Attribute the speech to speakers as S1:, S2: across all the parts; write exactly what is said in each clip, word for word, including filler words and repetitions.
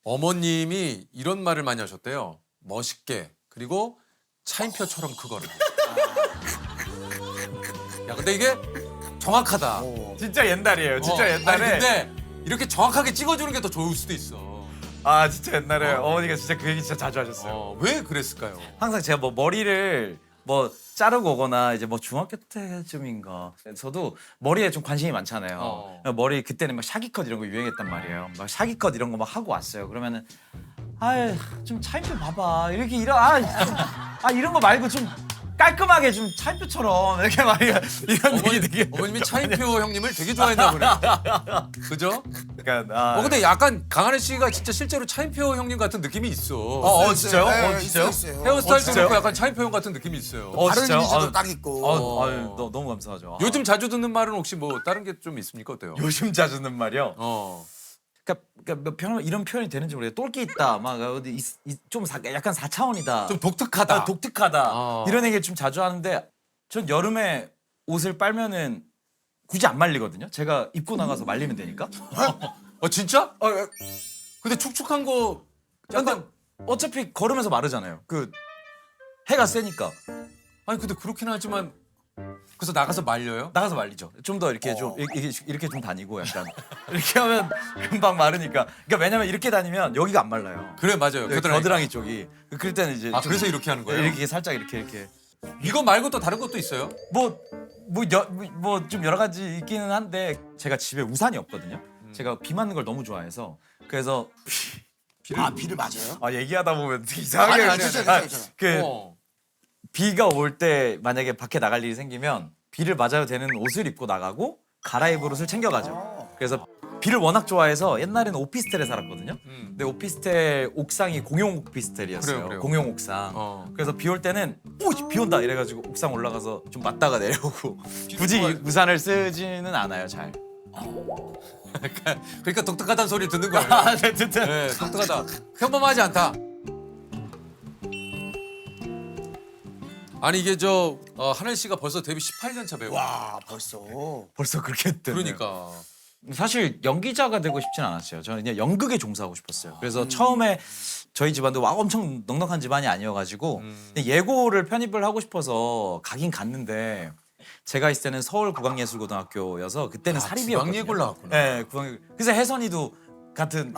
S1: 어머님이 이런 말을 많이 하셨대요. 멋있게 그리고 차인표처럼 크거라. 야 근데 이게 정확하다.
S2: 진짜 옛날이에요. 진짜
S1: 어,
S2: 옛날에.
S1: 아니, 근데 이렇게 정확하게 찍어주는 게 더 좋을 수도 있어.
S2: 아 진짜 옛날에
S1: 어.
S2: 어. 머니가 진짜 그 얘기 진짜 자주 하셨어요.
S1: 어, 왜 그랬을까요?
S2: 항상 제가 뭐 머리를 뭐 자르고 오거나 이제 뭐 중학교 때쯤인가 저도 머리에 좀 관심이 많잖아요.
S1: 어.
S2: 머리 그때는 막 샤기컷 이런 거 유행했단 말이에요. 막 샤기컷 이런 거 막 하고 왔어요. 그러면은 아유 좀 차인표 봐봐 이렇게 이런 아, 좀, 아 이런 거 말고 좀 깔끔하게 좀 차인표처럼 이렇게 막 이런
S1: 어머니,
S2: 얘기 되게
S1: 어머님이 차인표 형님을 되게 좋아했나 보네. 그죠?
S2: 약간 아,
S1: 어 근데 약간 강하늘 씨가 진짜 실제로 차인표 형님 같은 느낌이 있어.
S2: 어, 어 진짜요?
S3: 네,
S2: 어 진짜요?
S3: 있어요, 있어요.
S1: 헤어스타일도
S2: 진짜요?
S1: 그렇고 약간 차인표 형 같은 느낌이 있어요.
S2: 어,
S3: 다른
S2: 진짜요?
S3: 이미지도
S2: 아,
S3: 딱 있고.
S2: 어, 아유, 너, 너무 감사하죠. 아.
S1: 요즘 자주 듣는 말은 혹시 뭐 다른 게 좀 있습니까? 어때요?
S2: 요즘 자주 듣는 말이요.
S1: 어.
S2: 그러니까, 그러니까 몇 표현 이런 표현이 되는지 모르겠어요. 똘끼 있다, 막 어디 있- 있- 좀 사, 약간 사 차원이다,
S1: 좀 독특하다.
S2: 아, 독특하다
S1: 어.
S2: 이런 얘기를 좀 자주 하는데 전 여름에 옷을 빨면은 굳이 안 말리거든요. 제가 입고 나가서 말리면 되니까.
S1: 어 진짜?
S2: 어, 어,
S1: 근데 축축한 거
S2: 근데
S1: 약간
S2: 어차피 걸으면서 마르잖아요. 그 해가 세니까
S1: 아니 근데 그렇긴 하지만 그래서 나가서 말려요?
S2: 나가서 말리죠. 좀 더 이렇게 좀 이렇게, 이렇게 좀 다니고 약간 이렇게 하면 금방 마르니까. 그러니까 왜냐면 이렇게 다니면 여기가 안 말라요.
S1: 그래 맞아요.
S2: 여기
S1: 겨드랑이.
S2: 겨드랑이 쪽이. 그럴 때는 이제
S1: 아
S2: 좀
S1: 그래서 이렇게 하는 거예요?
S2: 이렇게 살짝 이렇게 이렇게
S1: 이거 말고 또 다른 것도 있어요?
S2: 뭐 뭐 뭐 좀 여러 가지 있기는 한데 제가 집에 우산이 없거든요. 제가 비 맞는 걸 너무 좋아해서 그래서
S3: 아 비를 맞아요?
S2: 아 얘기하다 보면 되게 이상하게
S3: 아니, 아니,
S2: 그냥-
S3: 괜찮아요, 괜찮아요.
S2: 그
S1: 어.
S2: 비가 올 때 만약에 밖에 나갈 일이 생기면 비를 맞아야 되는 옷을 입고 나가고 갈아입을 옷을 챙겨가죠. 그래서 비를 워낙 좋아해서 옛날에는 오피스텔에 살았거든요.
S1: 음.
S2: 근데 오피스텔 옥상이 공용 오피스텔이었어요.
S1: 그래요, 그래요.
S2: 공용 옥상.
S1: 어.
S2: 그래서 비 올 때는 오, 비 온다 이래가지고 옥상 올라가서 좀 맞다가 내려오고 굳이
S1: 좋아해.
S2: 우산을 쓰지는 않아요, 잘.
S1: 그러니까 독특하다는 소리 듣는 거예요.
S2: 아, 네, 진짜.
S1: 네, 독특하다. 평범하지 않다. 아니 이게 저 어, 하늘 씨가 벌써 데뷔 십팔 년 차 배우.
S3: 와 벌써.
S2: 벌써 그렇게 됐네.
S1: 그러니까.
S2: 사실 연기자가 되고 싶진 않았어요. 저는 그냥 연극에 종사하고 싶었어요. 그래서 처음에 저희 집안도 막 엄청 넉넉한 집안이 아니어가지고
S1: 음.
S2: 근데 예고를 편입을 하고 싶어서 가긴 갔는데 제가 있을 때는 서울국악예술고등학교여서 그때는
S1: 아,
S2: 사립이었거든요.
S1: 국악예고를 나왔구나.
S2: 네, 국악. 그래서 혜선이도 같은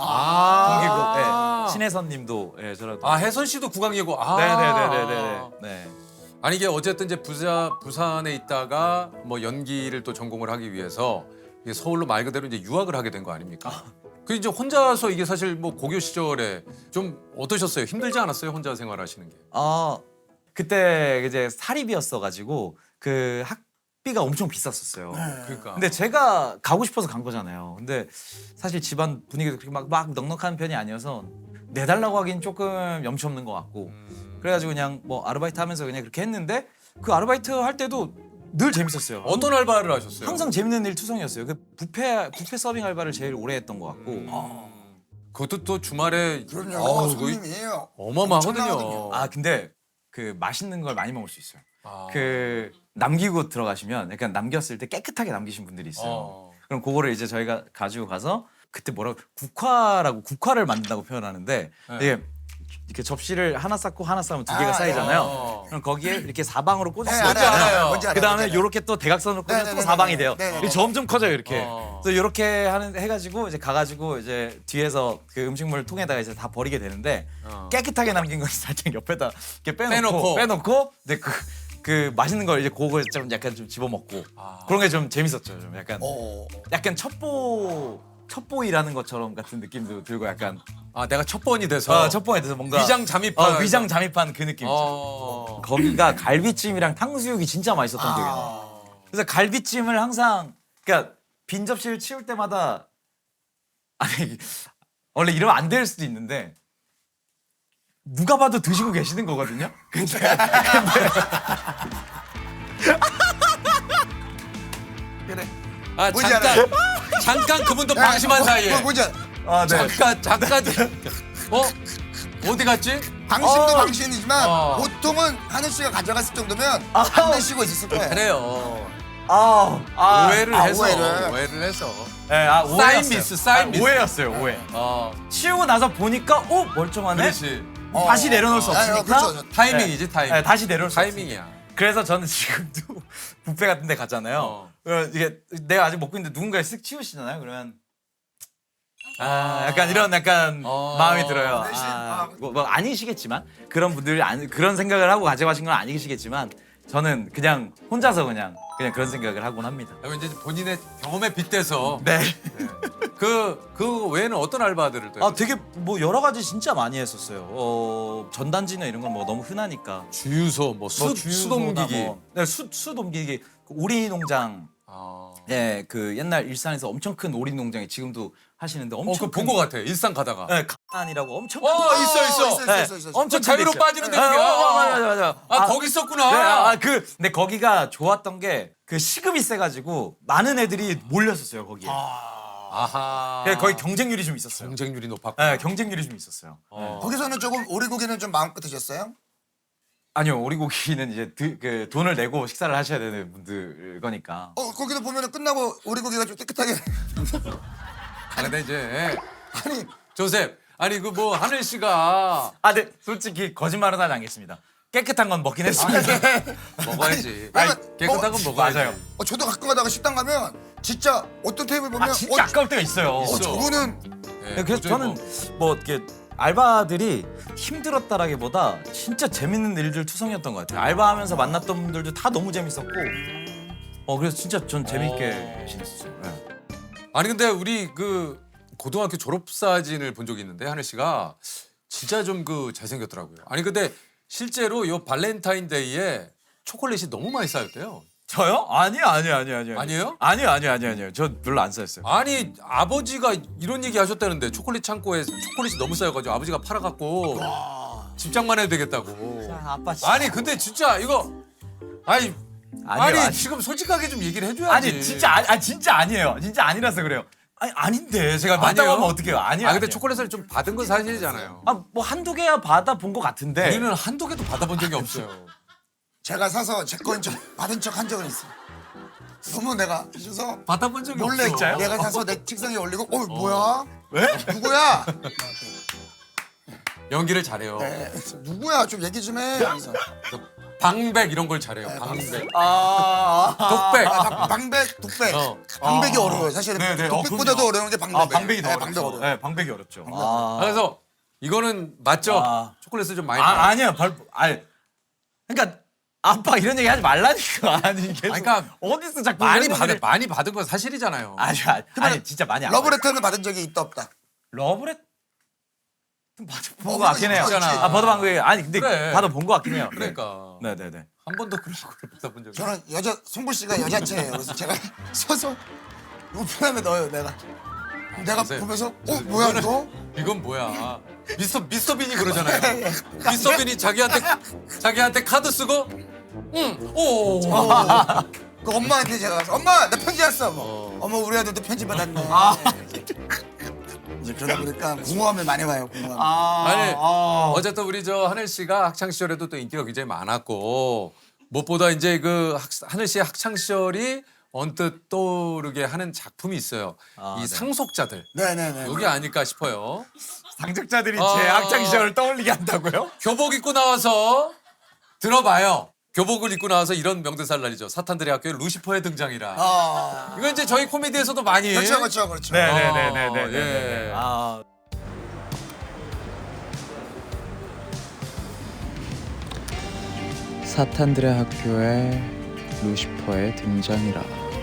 S1: 아.
S2: 동기고 네, 신혜선님도 예, 저랑.
S1: 아 혜선 씨도 국악예고. 아.
S2: 네네네네네. 네.
S1: 아니 이게 어쨌든 이제 부자 부산에 있다가 뭐 연기를 또 전공을 하기 위해서 이게 서울로 말 그대로 이제 유학을 하게 된 거 아닙니까? 그 이제 혼자서 이게 사실 뭐 고교 시절에 좀 어떠셨어요? 힘들지 않았어요? 혼자 생활하시는 게?
S2: 아 그때 이제 사립이었어가지고 그 학비가 엄청 비쌌었어요.
S1: 그러니까.
S2: 근데 제가 가고 싶어서 간 거잖아요. 근데 사실 집안 분위기도 그렇게 막, 막 넉넉한 편이 아니어서 내달라고 하긴 조금 염치 없는 것 같고
S1: 음.
S2: 그래가지고 그냥 뭐 아르바이트 하면서 그냥 그렇게 했는데 그 아르바이트 할 때도 늘 재밌었어요.
S1: 어떤 알바를 하셨어요?
S2: 항상 재밌는 일 투성이었어요. 그 뷔페 뷔페 서빙 알바를 제일 오래 했던 것 같고.
S1: 음. 그것도 또 주말에
S3: 그럼요.
S1: 어우,
S3: 손님이에요.
S1: 어마어마하거든요.
S3: 엄청나거든요.
S2: 아 근데 그 맛있는 걸 많이 먹을 수 있어요.
S1: 아.
S2: 그 남기고 들어가시면 약간 남겼을 때 깨끗하게 남기신 분들이 있어요.
S1: 어.
S2: 그럼 그거를 이제 저희가 가지고 가서 그때 뭐라고 국화라고 국화를 만든다고 표현하는데
S1: 네.
S2: 이게 이렇게 접시를 하나 쌓고 하나 쌓으면 두 개가
S3: 아,
S2: 쌓이잖아요.
S1: 어.
S2: 그럼 거기에 이렇게 사방으로
S3: 네,
S2: 꽂았어요.
S3: 알아요, 알아요. 뭔지
S2: 그
S3: 알아요,
S2: 다음에
S3: 뭔지 알아요.
S2: 요렇게 또 대각선으로 꽂으면 또
S3: 네네네네.
S2: 사방이 돼요.
S3: 네네네.
S2: 이게 점점 커져요 이렇게.
S1: 어.
S2: 그래서 요렇게 하는 해가지고 이제 가가지고 이제 뒤에서 그 음식물 통에다가 이제 다 버리게 되는데
S1: 어.
S2: 깨끗하게 남긴 건 살짝 옆에다 이렇게 빼놓고
S1: 빼놓고.
S2: 빼놓고 이제 그, 그 맛있는 걸 이제 그거 좀 약간 좀 집어먹고
S1: 아.
S2: 그런 게 좀 재밌었죠. 좀 약간
S3: 어.
S2: 약간 첩보 첩보이라는 것처럼 같은 느낌도 들고 약간
S1: 아 내가 첫 번이 돼서
S2: 아, 첩보에 대해서 뭔가
S1: 위장 잠입한
S2: 어, 위장 잠입한 그 느낌. 있죠.
S1: 어.
S2: 거기가 갈비찜이랑 탕수육이 진짜 맛있었던 기억이 나요. 그래서 갈비찜을 항상 그러니까 빈 접시를 치울 때마다 아니 원래 이러면 안 될 수도 있는데 누가 봐도 드시고 계시는 거거든요. 근데
S3: 그래.
S1: 아
S3: 뭔지
S1: 잠깐
S3: 알아요?
S1: 잠깐 그분도 방심한
S3: 뭐,
S1: 사이에
S3: 뭐, 뭔지 알아?
S2: 아, 네.
S1: 잠깐 잠깐 어 어디 갔지?
S3: 당신도
S2: 어.
S3: 당신이지만
S1: 어.
S3: 보통은 하늘 씨가 가져갔을 정도면 안 내쉬고 있었을 거예요.
S1: 그래요.
S2: 아, 아,
S1: 오해를
S3: 아,
S1: 해서
S3: 오해를.
S1: 오해를 해서.
S2: 네, 아,
S1: 사인
S2: 오해였어요.
S1: 미스, 사인
S2: 아,
S1: 미스.
S2: 오해였어요, 오해.
S1: 어,
S2: 치우고 나서 보니까 어 멀쩡하네.
S1: 그렇지.
S3: 어.
S2: 다시 내려놓을 수
S3: 아,
S2: 없으니까.
S3: 그렇죠.
S1: 타이밍이지 타이밍.
S2: 네, 다시 내려올 수
S1: 타이밍이야.
S2: 없으니까. 그래서 저는 지금도 뷔페 같은 데 갔잖아요.
S1: 어.
S2: 어, 이게 내가 아직 먹고 있는데 누군가 쓱 치우시잖아요. 그러면 아, 약간 이런 약간
S1: 어.
S2: 마음이 들어요.
S3: 대신,
S2: 아,
S3: 아.
S2: 뭐, 뭐 아니시겠지만 그런 분들 안, 그런 생각을 하고 가져가신 건 아니시겠지만 저는 그냥 혼자서 그냥 그냥 그런 생각을 하곤 합니다.
S1: 그리고 이제 본인의 경험에 빗대서
S2: 네.
S1: 그, 그 외에는 어떤 알바들을 또
S2: 아 되게 뭐 여러 가지 진짜 많이 했었어요. 어, 전단지나 이런 건 뭐 너무 흔하니까.
S1: 주유소, 뭐 수,
S2: 뭐 주유소나
S1: 수동기기.
S2: 뭐, 네, 수, 수동기기. 그 오리 농장.
S1: 아.
S2: 네, 그 옛날 일산에서 엄청 큰 오리 농장이 지금도 하시는데
S1: 어,
S2: 엄청
S1: 그거 본 것 같아. 일산 가다가.
S2: 네, 칸이라고 엄청
S1: 어,
S2: 큰
S1: 있어, 있어.
S3: 있어, 있어, 있어, 있어.
S2: 엄청
S1: 저 자유로
S2: 큰 데
S1: 빠지는
S2: 있어요.
S1: 데야.
S2: 어, 어, 맞아, 맞아, 맞아.
S1: 아, 거기 있었구나.
S2: 네, 아, 그 근데 거기가 좋았던 게 그 시급이 세가지고 많은 애들이 몰렸었어요 거기에.
S1: 아하.
S2: 그래서 거의 경쟁률이 좀 있었어요.
S1: 경쟁률이 높았고.
S2: 네, 경쟁률이 좀 있었어요.
S1: 어.
S3: 거기서는 조금 오리고기는 좀 마음껏 드셨어요?
S2: 아니요, 오리고기는 이제 드, 그 돈을 내고 식사를 하셔야 되는 분들 거니까.
S3: 어 거기도 보면은 끝나고 오리고기가 좀 깨끗하게
S1: 아, 근데 이제
S3: 아니
S1: 조셉, 아니 그 뭐 하늘 씨가
S2: 아, 네, 솔직히 거짓말은 하지 않겠습니다. 깨끗한 건 먹긴 했습니다.
S1: 먹어야지.
S3: 아니,
S1: 아니, 깨끗한 건
S3: 어,
S1: 먹어야지.
S2: 맞아요.
S3: 어, 저도 가끔 가다가 식당 가면 진짜 어떤 테이블 보면
S2: 아, 진짜
S3: 어,
S2: 아까울 때가 있어요.
S3: 어,
S1: 있어.
S3: 저거는
S1: 네,
S2: 네, 그래서
S1: 도저히
S2: 저는
S1: 뭐-
S2: 뭐 이렇게 알바들이 힘들었다라기보다 진짜 재밌는 일들 투성이었던 것 같아요. 알바하면서 만났던 분들도 다 너무 재밌었고, 어 그래서 진짜 전 재밌게 지냈어요. 네.
S1: 아니 근데 우리 그 고등학교 졸업 사진을 본 적이 있는데 하늘 씨가 진짜 좀 그 잘생겼더라고요. 아니 근데 실제로 요 발렌타인데이에 초콜릿이 너무 많이 쌓였대요.
S2: 저요? 아니요, 아니요, 아니요, 아니요.
S1: 아니에요?
S2: 아니요, 아니요, 아니요, 아니요. 저 별로 안 쌓였어요.
S1: 아니 아버지가 이런 얘기 하셨다는데 초콜릿 창고에 초콜릿이 너무 쌓여가지고 아버지가 팔아갖고 집장만 해도 되겠다고.
S2: 아, 아빠 진짜.
S1: 아니 근데 진짜 이거 아니
S2: 아니요,
S1: 아니
S2: 아니.
S1: 지금 솔직하게 좀 얘기를 해줘야지.
S2: 아니 진짜 아니, 아 진짜 아니에요. 진짜 아니라서 그래요. 아니 아닌데 제가 맞다고
S1: 아니에요?
S2: 하면 어떡해요? 아니요.
S1: 아 근데
S2: 아니에요.
S1: 초콜릿을 좀 받은 건 사실이잖아요.
S2: 아뭐 한두 개야 받아 본 것 같은데.
S1: 우리는 한두 개도 받아본 적이 없어요.
S3: 제가 사서 제 거인 척 받은 척 한 적은 있어. 너무 내가 주셔서
S1: 받아본 적이
S3: 몰래
S1: 없어.
S3: 내가 사서 내 책상에 올리고 어 뭐야?
S2: 왜?
S3: 누구야?
S1: 연기를 잘해요.
S3: 네, 누구야? 좀 얘기 좀 해. 그래서
S1: 방백 이런 걸 잘해요.
S3: 네,
S1: 방백.
S2: 아, 아,
S1: 독백.
S3: 아, 방- 방백, 독백.
S1: 어.
S3: 방백이
S2: 아.
S3: 어려워요. 사실은
S2: 네, 네. 어,
S3: 독백보다도
S2: 그럼요.
S3: 어려운 게 방백.
S2: 아 방백이 더
S3: 네,
S2: 어렵죠.
S3: 방백 어려워.
S2: 네, 방백이 어렵죠.
S1: 아,
S2: 아,
S1: 그래서 이거는 맞죠?
S2: 아.
S1: 초콜릿을 좀 많이.
S2: 아
S1: 받아.
S2: 아니야, 발, 아니, 그러니까 아빠 이런 얘기 하지 말라니까. 아니 계속
S1: 아니, 그러니까
S2: 어디서 자꾸
S1: 많이
S2: 이런
S1: 받은
S2: 얘기를-
S1: 많이 받은 건 사실이잖아요.
S2: 아니, 아니, 아니 진짜 많이 안
S3: 러브레터는 받은 적이 있다 없다.
S2: 러브레 받아본
S3: 뭐,
S2: 것 같긴 해요.
S3: 있잖아.
S2: 아 받아본 거 아니 근데
S1: 그래.
S2: 받아본 것 같긴 해요.
S1: 그러니까
S2: 네, 네, 네.
S1: 한 번도 그런 걸 받아본 적이.
S3: 저는 여자 송불 씨가 여자체예요. 그래서 제가 서서 우편함에 넣어요. 내가 내가
S1: 선생님,
S3: 보면서 어 뭐야
S1: 이거는-
S3: 이거?
S1: 이건 뭐야? 미스터 미스터 빈이 그러잖아요. 미스터 빈이 자기한테 자기한테 카드 쓰고, 응, 오.
S3: 그 엄마한테 제가 가서 엄마 나 편지 왔어. 뭐.
S1: 어.
S3: 어머 우리 아들도 편지 받았네. 이제 그러다 보니까 공허함을 많이 봐요. 공허함.
S1: 아니
S2: 아.
S1: 어쨌든 우리 저 하늘 씨가 학창 시절에도 또 인기가 굉장히 많았고 무엇보다 이제 그 학, 하늘 씨의 학창 시절이 언뜻 떠오르게 하는 작품이 있어요.
S2: 아,
S1: 이
S2: 네.
S1: 상속자들
S3: 네네네.
S1: 여기 아닐까 싶어요.
S2: 상적자들이
S1: 아.
S2: 제 학창 시절을 떠올리게 한다고요?
S1: 교복 입고 나와서 들어봐요. 교복을 입고 나와서 이런 명대사를 날리죠. 사탄들의 학교에 루시퍼의 등장이라.
S3: 아
S1: 이거 이제 저희 코미디에서도 많이.
S3: 그렇죠 그렇죠 그렇죠.
S2: 네,
S1: 어,
S2: 네, 네, 네, 네, 네,
S1: 예.
S2: 네. 아.
S4: 사탄들의 학교에 루시퍼의 등장이라.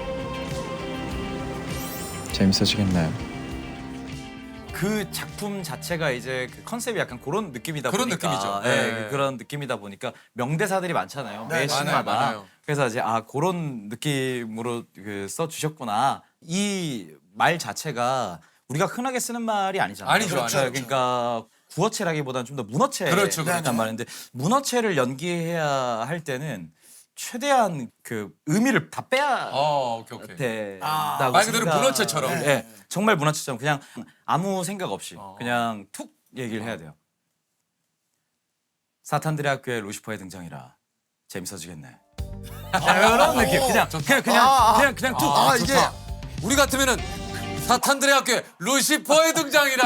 S4: 재밌어지겠나요?
S2: 그 작품 자체가 이제 그 컨셉이 약간 그런 느낌이다
S1: 그런
S2: 보니까
S1: 느낌이죠.
S2: 네,
S1: 네.
S2: 그- 그런 느낌이다 보니까 명대사들이 많잖아요.
S3: 네,
S2: 매
S3: 많아요,
S2: 신마다.
S1: 많아요.
S2: 그래서 이제 아 그런 느낌으로 그 써주셨구나. 이 말 자체가 우리가 흔하게 쓰는 말이 아니잖아요.
S1: 아니죠,
S3: 그렇죠,
S1: 아니죠.
S3: 그렇죠.
S2: 그러니까 구어체라기보다는 좀 더 문어체
S1: 그렇죠,
S3: 그렇죠.
S2: 란 말인데 문어체를 연기해야 할 때는 최대한 그 의미를 다 빼야
S1: 어, 오케이 오케이.
S3: 아,
S2: 된다고
S1: 말 그대로
S2: 생각-
S1: 문어체처럼.
S2: 네, 정말 문어체처럼 그냥 아무 생각 없이
S1: 어.
S2: 그냥 툭 얘기를 해야 돼요. 사탄들의 학교에 루시퍼의 등장이라 재밌어지겠네. 이런 느낌. 그냥 그냥 그냥
S3: 아, 아.
S2: 그냥 그냥 툭.
S3: 아 이게
S1: 좋다. 우리 같으면은 사탄들의 학교에 루시퍼의 등장이라.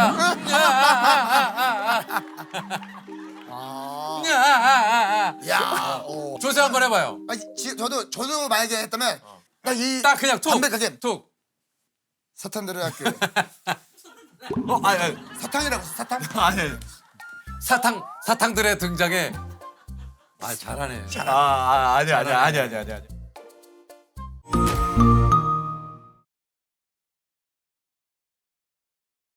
S3: 아,
S1: 야.
S3: 야, 어.
S1: 조세 한번 해봐요.
S3: 아니, 지, 저도 저도 만약에 했다면 딱이
S1: 딱 그냥 툭.
S3: 담백하게
S1: 툭.
S3: 사탄들의 학교
S2: 어, 아니 아니
S3: 사탕이라고 했어, 사탕?
S2: 아니. 아니.
S1: 사탕 사탕들의 등장에. 아 잘하네.
S2: 아, 아 아니 아니 아니 아니 아니 아니.